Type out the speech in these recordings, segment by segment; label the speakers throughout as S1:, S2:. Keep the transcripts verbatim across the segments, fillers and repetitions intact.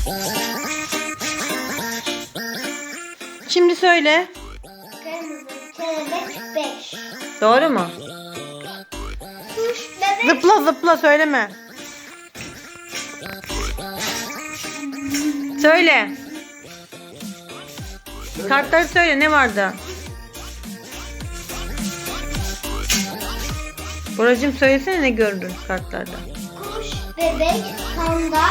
S1: Şimdi söyle.
S2: Kırmızı kelebek beş.
S1: Doğru mu?
S2: Kuş bebek.
S1: Zıpla zıpla söyleme. Söyle. Kartları söyle, ne vardı? Buracığım söylesene, ne gördün kartlarda?
S2: Kuş bebek panda.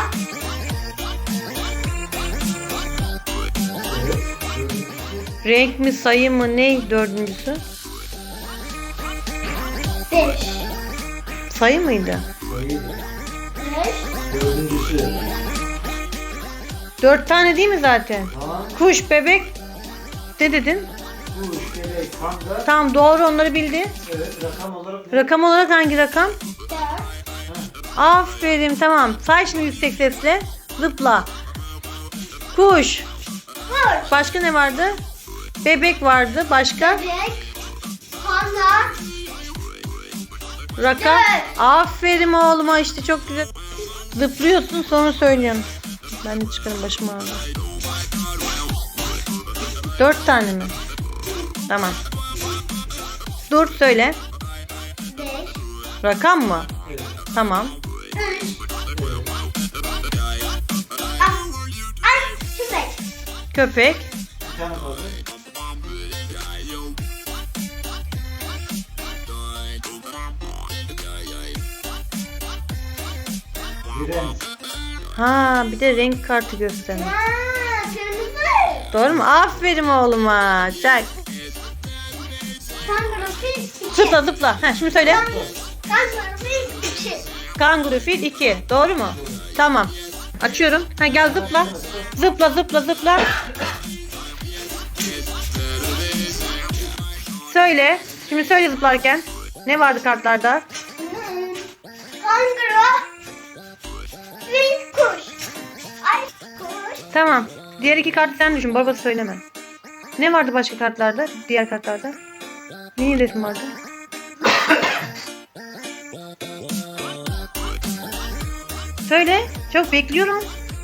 S1: Renk mi, sayı mı, ne dördüncüsü?
S2: Beş.
S1: Sayı mıydı?
S2: Beş.
S3: Dördüncüsü.
S1: Dört tane değil mi zaten?
S3: Tamam.
S1: Kuş, bebek. Ne dedin?
S3: Kuş, bebek, panda.
S1: Tamam, doğru, onları bildi.
S3: Evet, rakam olarak ne?
S1: Rakam olarak hangi rakam?
S2: Dört.
S1: Aferin, tamam. Say şimdi yüksek sesle. Zıpla. Kuş.
S2: Kuş.
S1: Başka ne vardı? Bebek vardı. Başka?
S2: Bebek. Panda.
S1: Rakam.
S2: Dört.
S1: Aferin oğluma, işte çok güzel. Zıplıyorsun, sonra söylüyorsun. Ben de çıkarım, başım ağrıyor. Dört tane mi? Tamam. Dur, söyle.
S2: Beş.
S1: Rakam mı?
S3: Evet.
S1: Tamam.
S2: Üç. Ah. Ay. Köpek.
S1: Köpek.
S3: Bir tane kaldı. Direnç.
S1: Ha, bir de renk kartı göstermiş.
S2: Ha, kırmızı.
S1: Doğru mu? Aferin oğluma. Çak.
S2: Kanguru fil iki.
S1: Zıpla zıpla. Ha, şimdi söyle.
S2: Kanguru fil iki.
S1: Kanguru fil iki. Doğru mu? Tamam. Açıyorum. Ha, gel zıpla. Zıpla zıpla zıpla. Söyle. Şimdi söyle zıplarken. Ne vardı kartlarda?
S2: Hmm. Kanguru fil kuş. Ay kuş.
S1: Tamam. Diğer iki kartı sen düşün. Babası söyleme. Ne vardı başka kartlarda? Diğer kartlarda? Neyin resmi vardı? Söyle. Çok bekliyorum.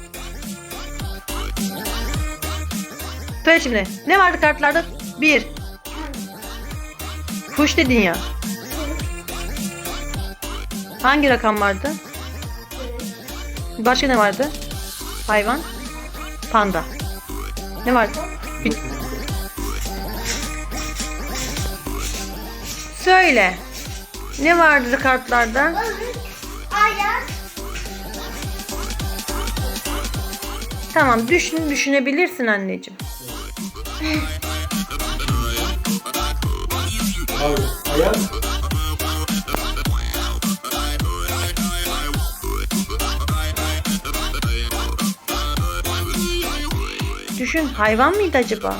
S1: Söyle şimdi. Ne vardı kartlarda? Bir. Kuş dedin ya. Hangi rakam vardı? Başka ne vardı? Hayvan. Panda. Ne vardı? Bir... Söyle. Ne vardı kartlarda?
S2: Balık. Ayak.
S1: Tamam, düşün, düşünebilirsin anneciğim.
S3: Abi, ayak.
S1: Düşün, hayvan mıydı acaba?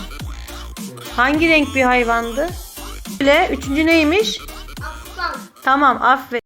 S1: Hangi renk bir hayvandı? Böyle, üçüncü neymiş?
S2: Aslan.
S1: Tamam, aferin.